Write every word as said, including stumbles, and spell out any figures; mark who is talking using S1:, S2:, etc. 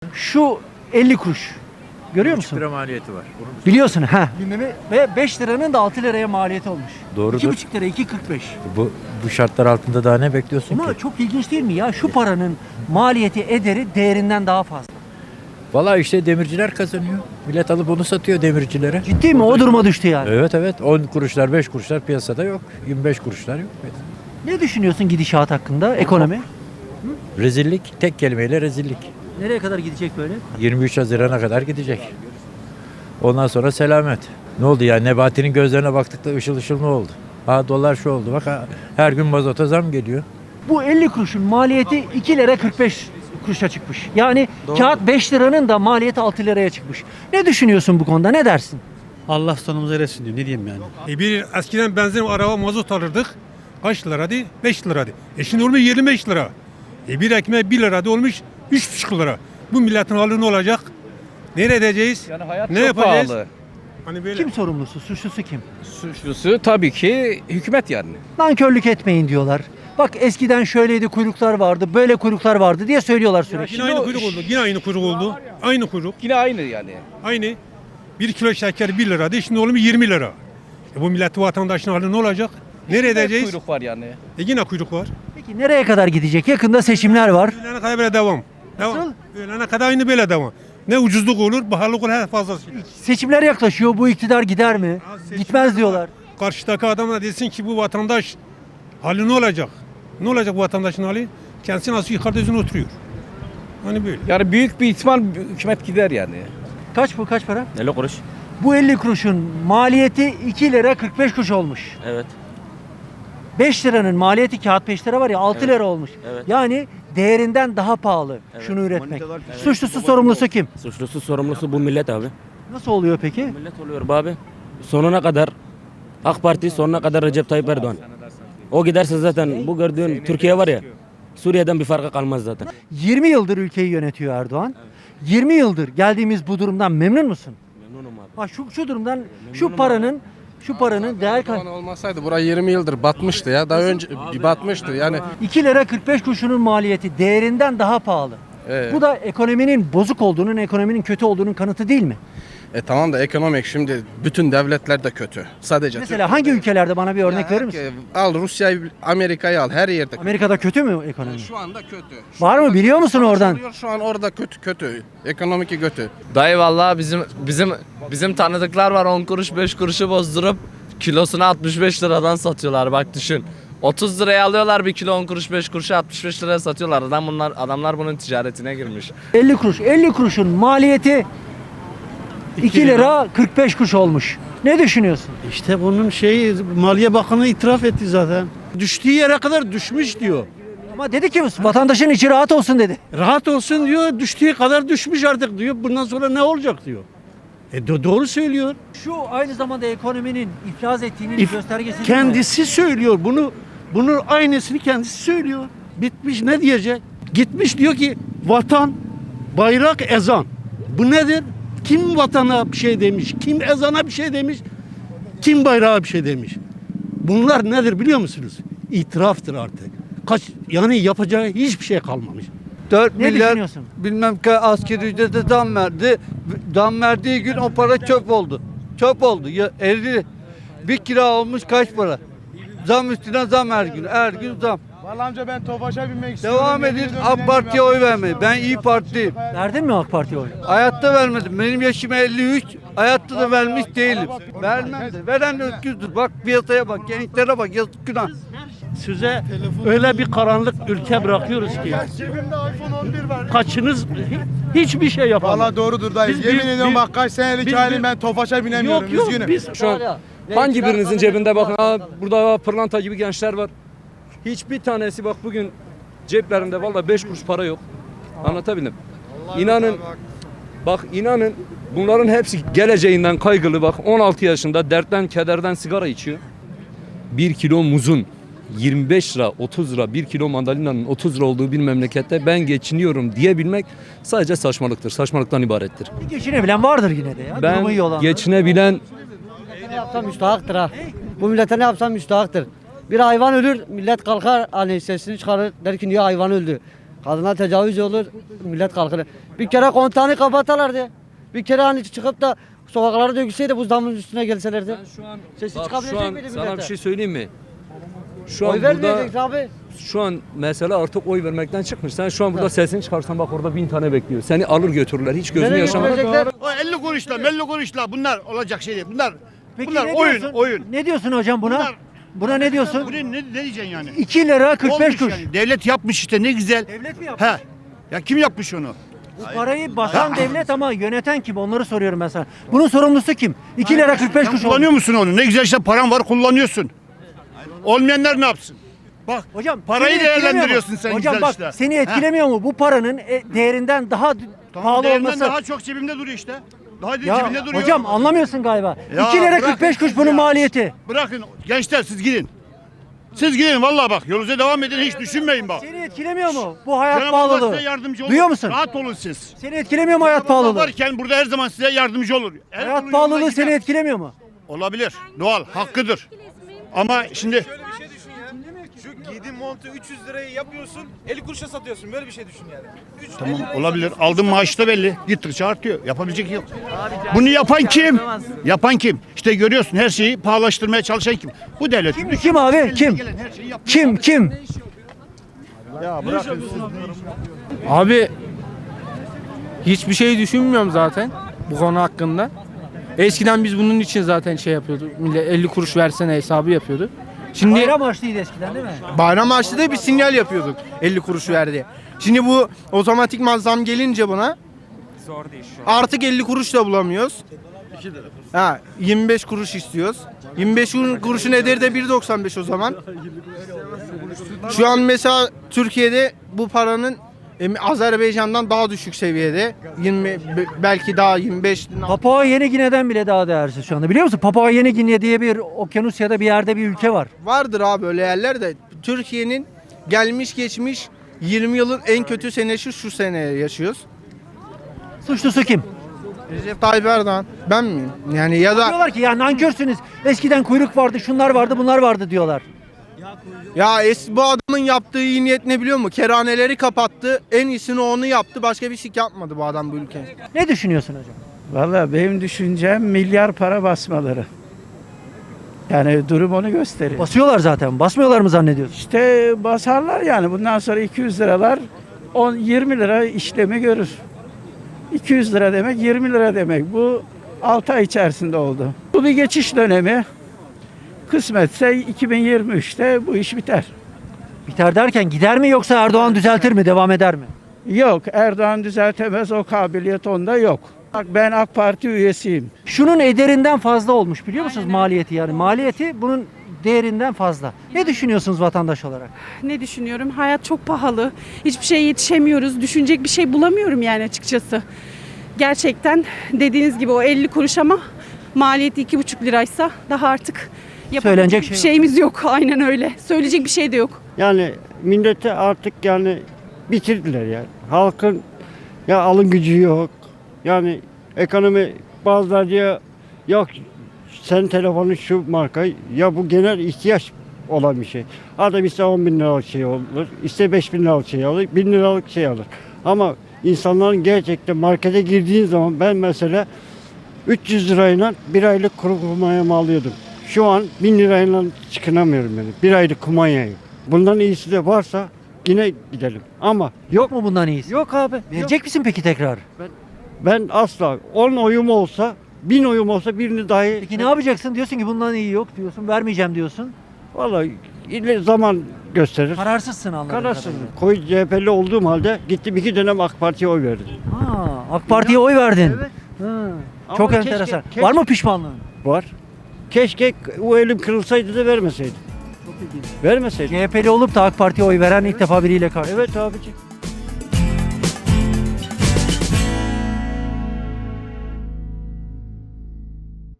S1: Şu elli kuruş. Görüyor musun?
S2: lira maliyeti var. Onun
S1: Biliyorsun ha. Gündemi ve beş liranın da altı liraya maliyeti olmuş.
S2: Doğrudur.
S1: iki buçuk lira iki kırk beş.
S2: Bu bu şartlar altında daha ne bekliyorsun
S1: Ama
S2: ki?
S1: çok ilginç değil mi ya? Şu paranın maliyeti ederi değerinden daha fazla.
S2: Vallahi işte demirciler kazanıyor. Millet alıp onu satıyor demircilere.
S1: Ciddi mi? O duruma düştü yani.
S2: Evet evet. on kuruşlar beş kuruşlar piyasada yok. yirmi beş kuruşlar yok.
S1: Ne düşünüyorsun gidişat hakkında? Ekonomi?
S2: Rezillik. Tek kelimeyle rezillik.
S1: Nereye kadar gidecek böyle?
S2: yirmi üç Haziran'a kadar gidecek. Ondan sonra selamet. Ne oldu yani? Nebati'nin gözlerine baktık da ışıl ışıl ne oldu? Ha dolar şu oldu. Bak ha, her gün mazota zam geliyor.
S1: Bu elli kuruşun maliyeti iki lira kırk beş kuruşa çıkmış. Yani kağıt beş liranın da maliyeti altı liraya çıkmış. Ne düşünüyorsun bu konuda? Ne dersin?
S3: Allah sonumuzu eresin diyor. Ne diyeyim yani?
S4: E bir eskiden benzin araba mazot alırdık. Kaç liraydı? beş liraydı. E şimdi olmuş yirmi beş lira. E bir ekmeğe bir liraydı olmuş üç buçuk lira. Bu milletin hali ne olacak? Nereye edeceğiz?
S5: Yani hayat
S4: ne
S5: çok
S4: yapacağız?
S5: pahalı.
S4: Hani böyle.
S1: Kim sorumlusu? Suçlusu kim?
S5: Suçlusu tabii ki hükümet yani.
S1: Nankörlük etmeyin diyorlar. Bak eskiden şöyleydi, kuyruklar vardı, böyle kuyruklar vardı diye söylüyorlar sürekli.
S4: Yine aynı kuyruk oldu. Yine aynı kuyruk oldu. Aynı kuyruk.
S5: Yine aynı yani.
S4: Aynı. Bir kilo şeker bir liraydı. Şimdi olmuş yirmi lira. E bu milletin vatandaşın hali ne olacak? Nereye
S5: Yine
S4: edeceğiz?
S5: kuyruk var yani.
S4: E yine kuyruk var.
S1: Peki nereye kadar gidecek? Yakında seçimler var.
S4: Ölene kadar böyle devam. Devam.
S1: Nasıl?
S4: Ölene kadar aynı böyle devam. Ne ucuzluk olur, pahalılık olur, her fazlası.
S1: Seçimler yaklaşıyor. Bu iktidar gider mi? Gitmez diyorlar.
S4: Karşıdaki adam da desin ki bu vatandaş hali ne olacak? Ne olacak bu vatandaşın hali? Kendisi nasıl yukarıda yüzüne oturuyor. Hani böyle.
S5: Yani büyük bir ihtimal hükümet gider yani.
S1: Kaç bu? Kaç para?
S6: elli kuruş.
S1: Bu elli kuruşun maliyeti iki lira kırk beş kuruş olmuş.
S6: Evet.
S1: beş liranın maliyeti kağıt beş lira var ya altı lira olmuş.
S6: Evet.
S1: Yani değerinden daha pahalı
S6: Evet.
S1: şunu üretmek. Suçlusu sorumlusu kim?
S6: Suçlusu sorumlusu bu millet abi.
S1: Nasıl oluyor peki?
S6: Millet oluyor bu abi. Sonuna kadar AK Parti, sonuna kadar Recep Tayyip Erdoğan. O giderse zaten bu gördüğün Türkiye var ya, Suriye'den bir farkı kalmaz zaten.
S1: yirmi yıldır ülkeyi yönetiyor Erdoğan. yirmi yıldır geldiğimiz bu durumdan memnun musun?
S6: Memnunum abi.
S1: Ha şu şu durumdan şu paranın şu paranın değer
S7: Erdoğan olmasaydı burası yirmi yıldır batmıştı ya. Daha önce bir batmıştı yani.
S1: iki lira kırk beş kuruşunun maliyeti değerinden daha pahalı.
S7: e,
S1: Bu da ekonominin bozuk olduğunun, ekonominin kötü olduğunun kanıtı değil mi?
S7: e, tamam da ekonomik şimdi bütün devletler de kötü. Sadece
S1: Mesela hangi ülkelerde bana bir örnek verir misin?
S7: Al Rusya'yı, Amerika'yı al her yerde. kötü.
S1: Amerika'da kötü mü ekonomi?
S7: Şu anda kötü. Şu
S1: Var mı
S7: anda
S1: biliyor musun oradan?
S7: oluyor, Şu an orada kötü kötü. Ekonomik kötü.
S8: Dayı vallahi bizim bizim bizim tanıdıklar var on kuruş beş kuruşu bozdurup kilosunu altmış beş liradan satıyorlar bak düşün. otuz liraya alıyorlar bir kilo on kuruş beş kuruşu altmış beş liraya satıyorlar. Adam bunlar adamlar bunun ticaretine girmiş.
S1: elli kuruş. elli kuruşun maliyeti iki lira kırk beş kuruş olmuş. Ne düşünüyorsun?
S3: İşte bunun şeyi Maliye Bakanı itiraf etti zaten. Düştüğü yere kadar düşmüş diyor.
S1: Ama dedi ki vatandaşın içi rahat olsun dedi.
S3: Rahat olsun diyor, düştüğü kadar düşmüş artık diyor. Bundan sonra ne olacak diyor. E do- doğru söylüyor.
S1: Şu aynı zamanda ekonominin iflas ettiğinin
S3: İf-
S1: göstergesi değil mi?
S3: Kendisi söylüyor bunu. Bunun aynısını kendisi söylüyor. Bitmiş ne diyecek? Gitmiş diyor ki vatan, bayrak, ezan. Bu nedir? Kim vatana bir şey demiş? Kim ezana bir şey demiş? Kim bayrağa bir şey demiş? Bunlar nedir biliyor musunuz? İtiraftır artık. Kaç yani yapacağı hiçbir şey kalmamış.
S9: dört
S1: Ne
S9: milyar
S1: düşünüyorsun?
S9: bilmem ki asgari ücrete zam verdi. Zam verdiği gün o para çöp oldu. Çöp oldu. Ya elli bir kira olmuş kaç para? Zam üstüne zam her gün. Her gün zam.
S10: Vallahi amca ben Tofaş'a binmek istiyorum.
S9: Devam edin AK Parti'ye oy vermeyin. Ben İyi Partiliyim.
S1: Verdin mi AK Parti'ye oy?
S9: Hayatta vermedim. Benim yaşım elli üç. Hayatta da vermiş değilim. Vermem de. Veren de öküzdür. Bak piyasaya bak. Gençlere bak. Yazık günah.
S3: Size öyle bir karanlık ülke bırakıyoruz ki
S10: Cebimde iPhone on bir var.
S3: kaçınız hiçbir şey yapamaz.
S10: Vallahi doğrudur dayı.
S3: Biz-
S10: Yemin
S3: biz-
S10: ediyorum
S3: biz-
S10: bak kaç senelik
S3: biz-
S10: halim ben Tofaş'a binemiyorum.
S3: Yok yok
S10: Üzgünüm.
S3: biz
S5: Şu an hangi birinizin cebinde bakın ha, burada pırlanta gibi gençler var. Hiçbir tanesi bak bugün ceplerinde vallahi beş kuruş para yok. Anlatabildim. İnanın bak inanın bunların hepsi geleceğinden kaygılı bak on altı yaşında dertten kederden sigara içiyor. Bir kilo muzun yirmi beş lira otuz lira bir kilo mandalinanın otuz lira olduğu bir memlekette ben geçiniyorum diyebilmek sadece saçmalıktır. Saçmalıktan ibarettir.
S1: Bir geçinebilen vardır yine de ya. Durumu iyi
S5: Ben
S1: olanlar.
S5: geçinebilen
S11: Ne yapsam müstahaktır ha. Bu millete ne yapsam müstahaktır. Bir hayvan ölür, millet kalkar hani sesini çıkarır der ki niye hayvan öldü. Kadına tecavüz olur, millet kalkır. Bir kere kontağını kapatalardı. Bir kere hani çıkıp da sokaklara dökülseydi buzdağının üstüne gelselerdi.
S5: Ben şu an,
S11: Sesi
S5: bak,
S11: çıkabilecek
S5: şu an
S11: miydi
S5: sana
S11: millete?
S5: bir şey söyleyeyim mi? Şu
S11: Oy
S5: an burada
S11: vermeyecek abi.
S5: şu an mesele artık oy vermekten çıkmış. Sen şu an burada sesini çıkarsan bak orada bin tane bekliyor. Seni alır götürürler. Hiç gözünü
S11: Nereye
S5: yaşamadan.
S11: götürecekler?
S10: O elli kuruşla, melli kuruşla bunlar olacak şey değil. Bunlar
S1: Peki
S10: bunlar
S1: ne
S10: oyun,
S1: diyorsun?
S10: oyun.
S1: Ne diyorsun hocam buna?
S10: Bunlar-
S1: Buna ne diyorsun?
S10: Bu ne, ne, ne diyeceksin yani?
S1: iki lira kırk beş
S10: Olmuş
S1: kuruş.
S10: yani. Devlet yapmış işte ne güzel.
S1: Devlet mi yapmış?
S10: He. Ya kim yapmış onu?
S1: Bu parayı basan devlet ama yöneten kim? Onları soruyorum ben sana. Bunun sorumlusu kim? iki lira kırk beş
S10: Sen
S1: kuruş
S10: kullanıyor
S1: olmuş.
S10: musun onu? Ne güzel işte paran var kullanıyorsun. Olmayanlar ne yapsın? Bak
S1: Hocam
S10: parayı
S1: seni etkilemiyor mu?
S10: değerlendiriyorsun sen
S1: Hocam
S10: güzel
S1: bak
S10: işte.
S1: seni
S10: He.
S1: etkilemiyor mu? Bu paranın e, değerinden daha d-
S10: Tamam,
S1: pahalı
S10: değerinden
S1: olması.
S10: daha çok cebimde duruyor işte. Daha
S1: Ya
S10: cebinde duruyor.
S1: hocam anlamıyorsun galiba.
S10: Ya
S1: iki lira
S10: bırakın
S1: kırk beş kuruş
S10: siz
S1: bunun
S10: ya.
S1: maliyeti.
S10: Bırakın gençler siz gidin. Siz gidin vallahi bak yolunuza devam edin hiç düşünmeyin bak.
S1: Seni etkilemiyor mu bu hayat
S10: Cenab-ı Allah
S1: pahalılığı?
S10: size yardımcı olur.
S1: Duyuyor musun?
S10: Rahat olun siz.
S1: Seni etkilemiyor mu hayat
S10: Cenab-ı Allah
S1: pahalılığı?
S10: varken burada her zaman size yardımcı olur. Her
S1: Hayat
S10: yolun
S1: pahalılığı
S10: yoluna
S1: seni
S10: gider.
S1: etkilemiyor mu?
S10: Olabilir. Doğal. Hakkıdır. Ama şimdi
S12: Şu giydiğin montu üç yüz liraya yapıyorsun, elli kuruşa satıyorsun. Böyle bir şey düşün yani. Üç-
S10: tamam
S12: elli liraya
S10: olabilir.
S12: satıyorsun.
S10: Aldığın maaş da belli. Gittikçe artıyor. Yapabilecek yok. Bunu yapan kim? Yapan kim? İşte görüyorsun her şeyi pahalaştırmaya çalışan kim? Bu devlet.
S1: Kim, kim abi? Kim? Kim? Kim?
S10: Ya bırakın siz.
S12: Abi hiçbir şey düşünmüyorum zaten bu konu hakkında. Eskiden biz bunun için zaten şey yapıyorduk. Millet elli kuruş versene hesabı yapıyordu. Şimdi
S1: Bayram açlıydı eskiden değil mi?
S12: bayram harçlı da bir sinyal yapıyorduk elli kuruş ver diye. Şimdi bu otomatikman zam gelince buna artık elli kuruş da bulamıyoruz. Ha, yirmi beş kuruş istiyoruz. yirmi beş kuruşun ederi de bir doksan beş o zaman. Şu an mesela Türkiye'de bu paranın em, Azerbaycan'dan daha düşük seviyede. yirmi be- belki daha yirmi beş.
S1: Papua Yeni Gine'den bile daha değersiz şu anda. Biliyor musun? Papua Yeni Gine diye bir Okyanusya'da bir yerde bir ülke var.
S12: Vardır abi öyle yerler de Türkiye'nin gelmiş geçmiş yirmi yılın en kötü senesi şu sene yaşıyoruz.
S1: Suçlusu kim?
S12: Recep Tayyip Erdoğan. Ben miyim? Yani ya da
S1: Diyorlar ki ya nankörsünüz. Eskiden kuyruk vardı, şunlar vardı, bunlar vardı diyorlar.
S12: ya es bu adamın yaptığı iyi niyet ne biliyor musun? Kerhaneleri kapattı. En iyisini onu yaptı. Başka bir şey yapmadı bu adam bu ülke.
S1: Ne düşünüyorsun hocam?
S13: Vallahi benim düşüncem milyar para basmaları. Yani durum onu gösteriyor.
S1: Basıyorlar zaten. Basmıyorlar mı zannediyorsun?
S13: İşte basarlar yani bundan sonra iki yüz liralar on yirmi lira işlemi görür. iki yüz lira demek yirmi lira demek. Bu altı ay içerisinde oldu. Bu bir geçiş dönemi. Kısmetse iki bin yirmi üçte bu iş biter.
S1: Biter derken gider mi yoksa Erdoğan düzeltir mi, devam eder mi?
S13: Yok, Erdoğan düzeltemez, o kabiliyet onda yok. Bak ben AK Parti üyesiyim.
S1: Şunun ederinden fazla olmuş biliyor musunuz maliyeti yani? Maliyeti bunun değerinden fazla. Ne düşünüyorsunuz vatandaş olarak?
S14: Ne düşünüyorum? Hayat çok pahalı. Hiçbir şeye yetişemiyoruz. Düşünecek bir şey bulamıyorum yani açıkçası. Gerçekten dediğiniz gibi o elli kuruş ama maliyeti iki buçuk liraysa daha artık
S1: Söylenecek
S14: yapabilecek bir
S1: şey yok.
S14: şeyimiz yok. Aynen öyle. Söyleyecek bir şey de yok.
S11: Yani millete artık yani bitirdiler yani. Halkın ya alım gücü yok. Yani ekonomi bazıları diyor yok sen telefonun şu marka ya bu genel ihtiyaç olan bir şey. Adam ise on bin liralık şey olur, ise beş bin liralık şey alır, bin liralık şey alır. Ama insanların gerçekten markete girdiğin zaman ben mesela üç yüz lirayla bir aylık kuru kumanyamı alıyordum. Şu an bin lirayla çıkınamıyorum yani. Bir aylık kumanyayı. Bundan iyisi de varsa yine gidelim. Ama
S1: Yok mu bundan iyisi?
S11: yok abi.
S1: Verecek
S11: yok.
S1: misin peki tekrar?
S11: Ben asla on oyum olsa, bin oyum olsa birini dahi...
S1: Peki ne yapacaksın? Diyorsun ki bundan iyi yok diyorsun, vermeyeceğim diyorsun.
S11: Vallahi ileri zaman gösterir.
S1: Kararsızsın anladığım
S11: Kararsız.
S1: kadarıyla.
S11: Koyu C H P'li olduğum halde gittim iki dönem AK Parti'ye oy verdim.
S1: Ha, AK Parti'ye oy verdin.
S11: Evet.
S1: Ha,
S11: Ama
S1: çok
S11: keşke-
S1: enteresan.
S11: keşke-
S1: Var mı pişmanlığın?
S11: Var. Keşke o elim kırılsaydı da vermeseydim. Vermeseydim.
S1: C H P'li olup da AK Parti'ye oy veren ilk defa biriyle karşı.
S11: Evet abiciğim.